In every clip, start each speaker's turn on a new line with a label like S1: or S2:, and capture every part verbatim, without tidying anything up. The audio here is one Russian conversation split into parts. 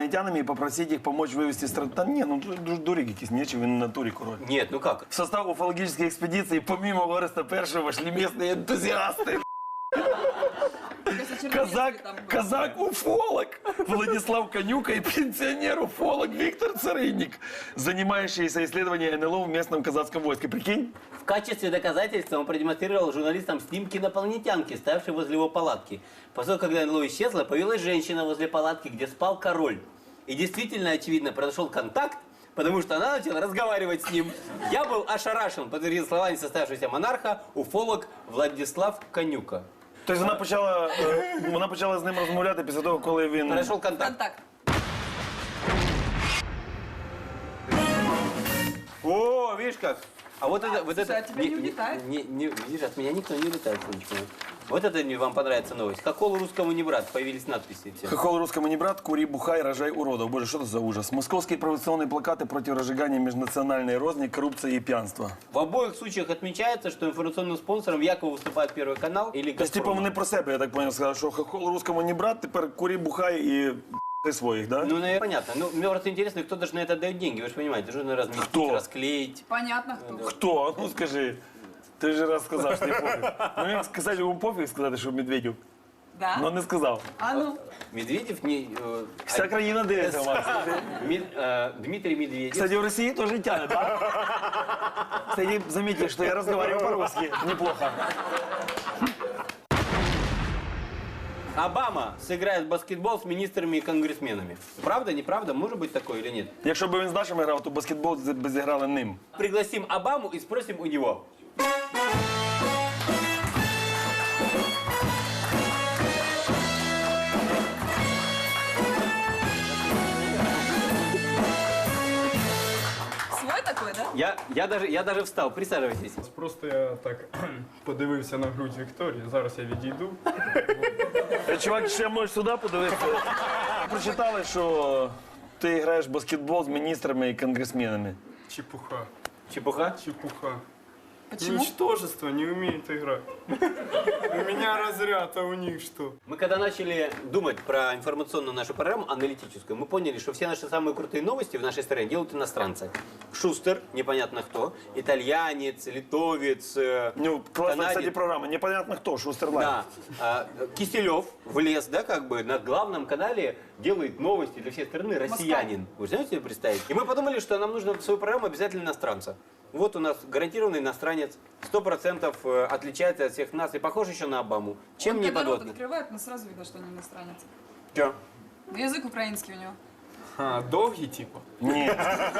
S1: инопланетянами и попросить их помочь вывести страну. Да не, ну дурик якийсь, нечего, він на натурі король.
S2: Нет, ну как?
S1: В состав уфологической экспедиции помимо Ореста Першего вошли местные энтузиасты. Казак, казак-уфолог Владислав Конюка и пенсионер-уфолог Виктор Царыник, занимающийся исследованием эн эл о в местном казацком войске. Прикинь?
S2: В качестве доказательства он продемонстрировал журналистам снимки инопланетянки, стоявшей возле его палатки. После того, когда эн эл о исчезла, появилась женщина возле палатки, где спал король. И действительно, очевидно, произошел контакт, потому что она начала разговаривать с ним. Я был ошарашен, подтвердил слова несостоявшегося монарха, уфолог Владислав Конюка.
S1: Тобто вона почала, е, вона почала з ним розмовляти після того, коли він...
S2: Произошел контакт.
S3: Контакт.
S2: О, видишь как? А вот это, вот
S3: слушай,
S2: это...
S3: а тебя не улетает?
S2: Не, не, видишь, от меня никто не улетает, Сонечка. Вот это не вам понравится новость. Хохол русскому не брат. Появились надписи все.
S1: Хохол русскому не брат, кури, бухай, рожай уродов. Боже, что это за ужас? Московские провокационные плакаты против разжигания межнациональной розни, коррупции и пьянства.
S2: В обоих случаях отмечается, что информационным спонсором якобы выступает Первый канал или
S1: Тобто, типу, вони про себе, я так понял, сказали, що хохол русскому не брат, тепер кури, бухай і ти своїх, да?
S2: Ну, наверное, понятно. Ну, мне просто интересно, кто даже на это дает деньги. Вы же понимаете, нужно разместить,
S1: Кто?
S2: расклеить.
S3: Понятно, кто.
S1: Хто? Ну скажи. Ти ж раз сказав, що не пофіг. Ну як сказати, йому пофіг сказати, що Медведєв.
S3: Да?
S1: Ну не сказав.
S3: А ну?
S2: Медведев не... э,
S1: Вся країна дивиться вас.
S2: Мед- э, Дмитрий Медведев.
S1: Кстати, в России тоже тянет, да? Кстати, заметьте, что я разговариваю по-русски. Неплохо.
S2: Обама сыграет в баскетбол с министрами и конгрессменами. Правда, неправда? Может быть такое или нет?
S1: Якщо б він з нашими грав, то баскетбол б зіграли ним.
S2: Пригласим Обаму и спросим у него.
S3: Свой такой, да?
S2: Я, я, даже, я даже встал. Присаживайтесь.
S4: Просто я так подивився на грудь Вікторії, зараз я відійду.
S1: Чувак, ще можеш сюди подивитися. Прочитали, що ти граєш в баскетбол з міністрами і конгресменами.
S4: Чепуха,
S2: Чепуха?
S4: чепуха.
S3: Почему?
S4: Ничтожество, не умеют играть. У меня разряд, а у них что?
S2: Мы когда начали думать про информационную нашу программу, аналитическую, мы поняли, что все наши самые крутые новости в нашей стране делают иностранцы. Шустер, непонятно кто, итальянец, литовец, э,
S1: Ну, класна,
S2: канадец.
S1: кстати, програма. Непонятно хто, Шустерлайн.
S2: Да. А, Киселев влез, да, как бы на главном канале делает новости для всей страны россиянин. Вы знаете себе представить? И мы подумали, что нам нужно в свою программу обязательно иностранца. Вот у нас гарантированный иностранец, сто процентов отличается от всех нас и похож еще на Обаму. Чем
S3: Он
S2: не
S3: когда рот
S2: подводный?
S3: открывает, но сразу видно, что он иностранец.
S2: Чё?
S3: Ну, язык украинский у него.
S4: А, довгий, типа?
S1: Ні.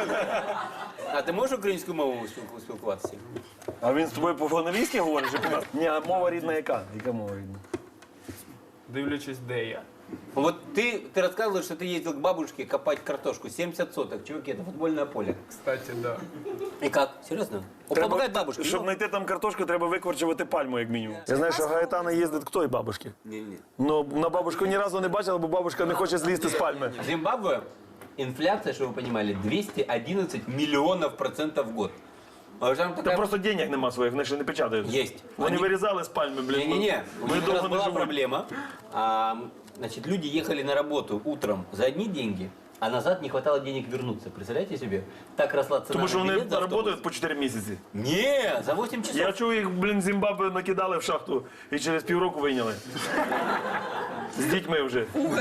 S2: А ти можеш українською мовою спіл- спілкуватися?
S1: А він з тобою по-англійськи говорить? чи по- Ні, а мова рідна яка? Яка мова рідна?
S4: Дивлячись, де я.
S2: Вот ты, ты рассказывал, что ты ездил к бабушке копать картошку. семьдесят соток, чуваки, это футбольное поле.
S4: Кстати, да.
S2: И как? Серьезно? Он помогает бабушке?
S1: Щоб
S2: Ну?
S1: знайти там картошку, треба викорчувати пальму, як мінімум. Я знаю, що Гаетана їздить к той бабушці.
S2: Не-не.
S1: Ну, на бабушку ні разу не бачила, бо бабушка не хоче злізти з пальми.
S2: В Зимбабве инфляция, чтобы вы понимали, двести одиннадцать миллионов процентов в год. А там
S1: Та
S2: такая...
S1: просто денег нема своїх, вони ще не печатають.
S2: Есть.
S1: Вони
S2: Они-
S1: вирізали з пальми, блін.
S2: Не-не-не, у
S1: Ми
S2: них как раз
S1: довго не
S2: была
S1: живуть.
S2: проблема. А, значит, люди ехали на работу утром за одни деньги, а назад не хватало денег вернуться. Представляете себе? Так росла цена
S1: Тому що
S2: на
S1: вони
S2: билет за автобус.
S1: працюють по чотири місяці.
S2: Не, за восемь часов.
S1: Я чув, їх, блін, в Зімбабве накидали в шахту і через півроку вийняли. З дітьми вже.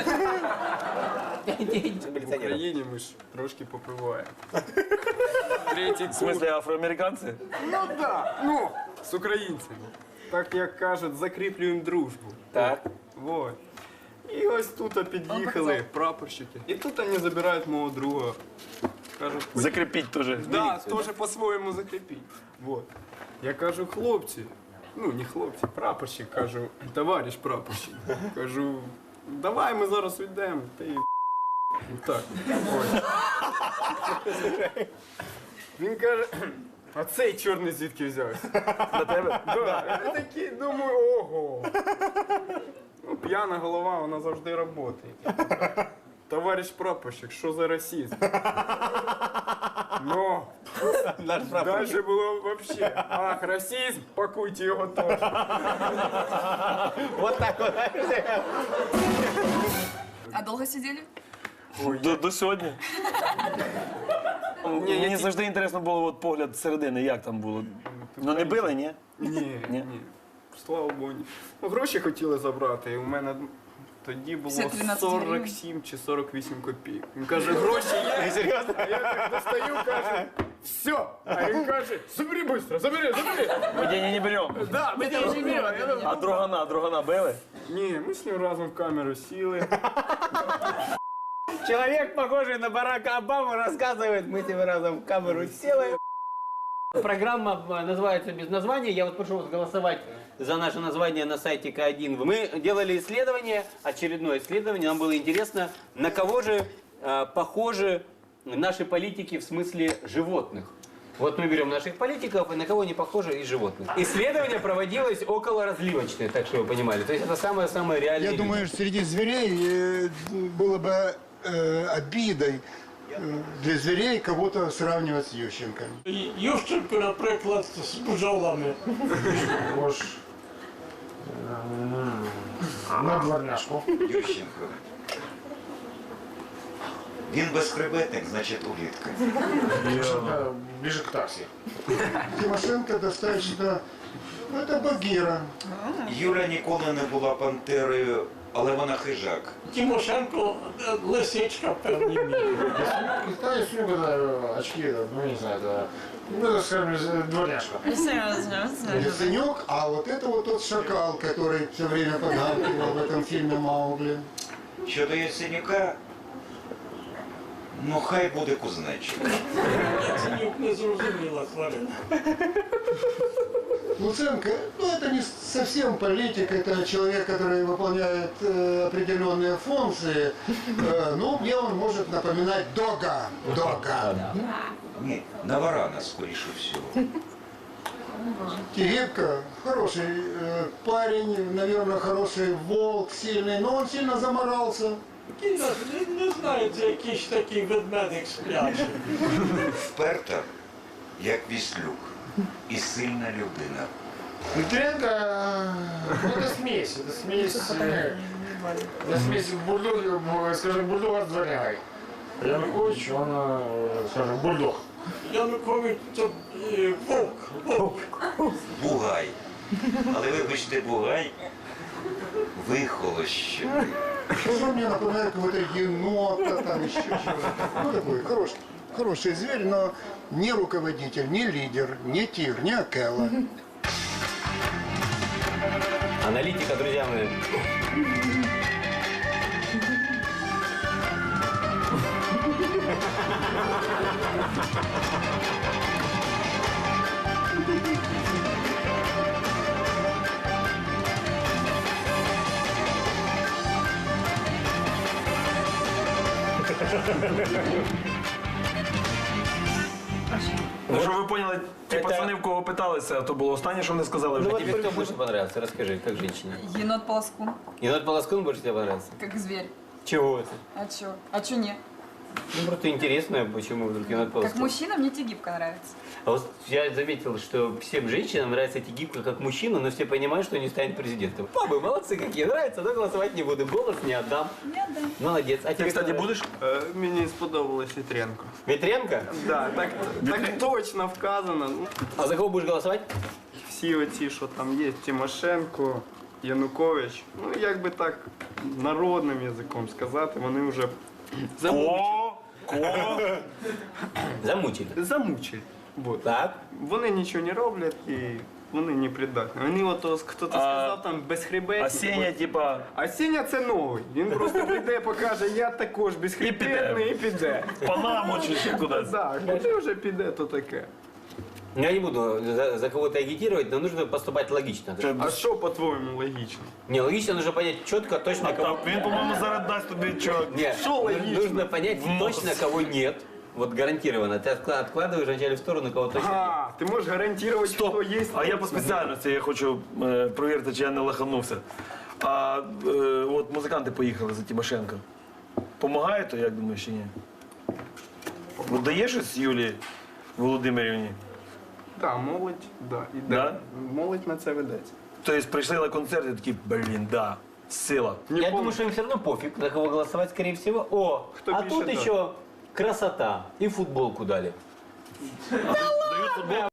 S4: В Україні ми ж трошки попиваємо. Третій
S1: В смислі, афроамериканці?
S4: Ну да, ну, з українцями. Так як кажуть, закріплюємо дружбу.
S2: Так.
S4: Вот. І ось тут під'їхали прапорщики. І тут вони забирають мого друга. Кажуть,
S1: Закріпіть теж.
S4: да, теж по-своєму закріпіть. Вот. Я кажу, хлопці, ну не хлопці, прапорщик, кажу, товариш прапорщик. Кажу, давай ми зараз уйдемо. Та й так. Ось. Він каже, а цей чорний звідки взявся?
S1: На тебе?
S4: Да. Я такий думаю, ого. Ну, п'яна голова, вона завжди працює. Товариш прапорщик, що за расизм? Ну,
S2: Наш прапорщик.
S4: далі було взагалі. Ах, расизм, пакуйте його теж.
S2: Вот так вот.
S3: А долго сидели?
S1: До, до сьогодні. Мені завжди інтересно було от погляд зсередини, як там було. Ну не били, ні?
S4: Ні,
S1: Ні?
S4: ні. Слава Богу. ні. Ну, гроші хотіли забрати, і у мене тоді було
S3: Все тринадцять
S4: сорок сім чи сорок вісім копійок. Він каже, гроші є. Серйозно? А я так достаю, кажу, все. А він каже, забери швидко, забери, забери.
S1: Ми деньги не беремо.
S4: Да, ми тебе не беремо. Я кажу,
S1: А другана, другана били?
S4: Ні, ми з ним разом в камеру сіли.
S2: Человек, похожий на Барака Обаму, рассказывает, мы тебе разом в камеру сели. Программа э, называется «Без названия». Я вот прошу вас голосовать за наше название на сайте К один. Мы делали исследование, очередное исследование. Нам было интересно, на кого же э, похожи наши политики в смысле животных. Вот мы берем наших политиков, и на кого они похожи из животных. Исследование проводилось около разливочное, так что вы понимали. То есть это самое-самое реальное.
S5: Я думаю, что среди зверей э, было бы э, обидой э, для зверей кого-то сравнивать с Ющенком.
S6: Ющенко, наприклад, з бджолами.
S5: Ож на дворняшку.
S7: Ющенко. Він безхребетник, значить улітка.
S5: Ближе к такси. Тимошенко достаточно... Ну, это Багира.
S7: Юля ніколи не була пантерою, але вона хижак.
S6: Тимошенко е, лисичка в певній мірі.
S5: Да, если бы очки, ну не знаю, это, ну, это, скажем, дворняжка. Яценюк, а вот это вот тот шакал, который все время подгадывал в этом фильме «Маугли».
S7: Щодо Яценюка, ну хай буде кузнечик.
S6: Яценюк не зрозуміла тварина.
S5: Луценко, ну это не совсем политик, это человек, который выполняет э, определенные функции, э, но мне он может напоминать Дога. Дога.
S7: Ні, на варана, скоріше всього.
S5: Тигибко, хороший э, парень, наверное, хороший волк, сильный, но он сильно заморался.
S6: Кіно, не, не знаю, це якийсь такий ведмедик сплячий.
S7: Вперта, як віслюк, і сильна людина.
S5: Дмитренко, ну это смесь, это смесь, э, это смесь бульдога, скажем, бульдога с дворнягой. Янукович, он, э, скажем, бульдог.
S6: Янукович це е, вовк. Вовк.
S7: Бугай. Але вибачте, Бугай вихолощений.
S5: Он мне напоминает какого-то енота, там еще чего-то. Ну такой хороший, хороший зверь, но не руководитель, не лидер, не тигр, не акела.
S2: Аналитика, друзья мои.
S1: Ну, щоб ви поняли, ті
S2: Це-
S1: пацани, в кого питалися, то було останнє, що вони сказали в
S2: Ну вот
S1: житті.
S2: тебе кто больше понравился? Расскажи, как женщине.
S3: Енот полоскун,
S2: Енот Полоскун больше тебе понравился?
S3: как зверь.
S2: Чего это?
S3: А чё? А чё не?
S2: Ну, просто интересно, почему вдруг Енот
S3: Как
S2: Полоскун.
S3: мужчина мне тигибка нравится.
S2: А вот я заметил, что всем женщинам нравится Тигибко как мужчина, но все понимают, что не станет президентом. Бабы молодцы какие, нравится, но голосовать не буду, голос не отдам.
S3: Не отдам.
S2: Молодец. А
S1: Ти,
S2: тебе
S1: кстати,
S2: кто
S1: будеш?
S4: Е, Мені сподобалось Вітренко.
S2: Вітренко?
S4: Да, так, так точно вказано. Ну,
S2: А за кого будешь голосовать?
S4: всі оці, що там є, Тимошенко, Янукович, ну як би так народним язиком сказати, вони вже замучили.
S1: Ко? Ко?
S2: Замучили.
S4: Замучили. Вот.
S2: Так.
S4: Вони нічого не роблять і вони не придатні. Вони от хто-то сказав там безхребетні.
S1: А Сеня, типа,
S4: А Сеня це новий. Він просто прийде, покаже, я також безхребетний і піде.
S1: Панаму чи ще кудись.
S4: Так, куди вже піде, то таке.
S2: Я не буду за, за кого-то агитировать, но нужно поступать логично.
S4: А що, по-твоєму, логічно?
S2: Не, логично нужно понять четко, точно,
S1: А
S2: кого...
S1: там, він, по-моєму, зараз дасть тобі чого.
S2: Нет,
S4: Что логично?
S2: нужно понять
S1: В нос.
S2: точно, кого нет. Вот гарантированно. Ты откла- откладываешь вначале в сторону, кого точно нет.
S4: А, ти можеш гарантувати,
S1: Стоп.
S4: хто є.
S1: А я по спеціальності, я хочу е, провірити, чи я не лаханувся. А е, от музиканти поїхали за Тимошенко. Помагає то, як думаєш, чи ні? От дає щось Юлії Володимирівні?
S4: Так, молодь, да, іде.
S1: Да?
S4: Молодь на це ведеться.
S1: Тобто прийшли на концерт і такі, блін, да. сила.
S4: Не
S2: Я
S4: помню.
S2: думаю, что им все равно пофиг, за кого голосовать, скорее всего. О,
S4: Кто
S2: а
S4: пишет,
S2: тут
S4: да.
S2: еще красота. И футболку дали.
S1: Дають футбол.